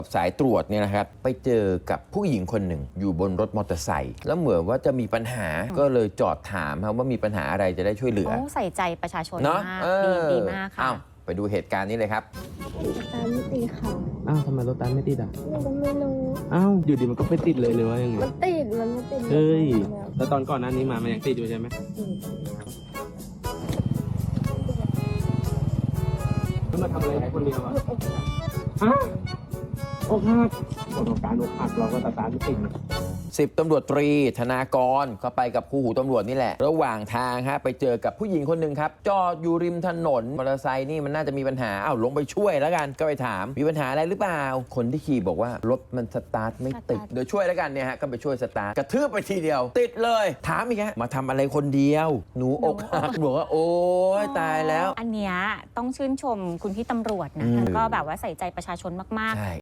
สายตรวจเนี่ยนะครับไปเจอกับผู้หญิงคนหนึ่งอยู่บนรถมอเตอร์ไซค์แล้วเหมือนว่าจะมีปัญหาก็เลยจอดถามว่ามีปัญหาอะไรจะได้ช่วยเหลือใส่ใจประชาชนเนาะมากดีมากค่ะไปดูเหตุการณ์นี้เลยครับตามไม่ติดค่ะอ้าวทำไมรถตามไม่ติดอ่ะหนูก็ไม่รู้อ้าวอยู่ดีมันก็ไม่ติดเลยหรือว่ายังไงมันติด มันไม่ติดเฮ้ยแล้วแล้วตอนก่อนหน้านี้มามันยังติดอยู่ใช่ไหมแล้วมาทำอะไรให้คนเดียวอ่ะฮะอกหักประสบการณ์อกหักเราก็ตามไม่ติด 10 ตำรวจตรีธนากรก็ไปกับคู่หูตำรวจนี่แหละ ระหว่างทางไปเจอกับผู้หญิงคนหนึ่งครับจอดอยู่ริมถนนมอเตอร์ไซค์นี่มันน่าจะมีปัญหาลงไปช่วยแล้วกันก็ไปถามมีปัญหาอะไรหรือเปล่าคนที่ขี่บอกว่ารถมันสตาร์ทไม่ติดเดี๋ยวช่วยแล้วกันเนี่ยก็ไปช่วยสตาร์ทกระทืบไปทีเดียวติดเลยถามอีกมาทำอะไรคนเดียวหนูอกหักบอกว่าโอ๊ยตายแล้วอันเนี้ยต้องชื่นชมคุณพี่ตำรวจนะอืมแล้วก็แบบว่าใส่ใจประชาชนมากใช่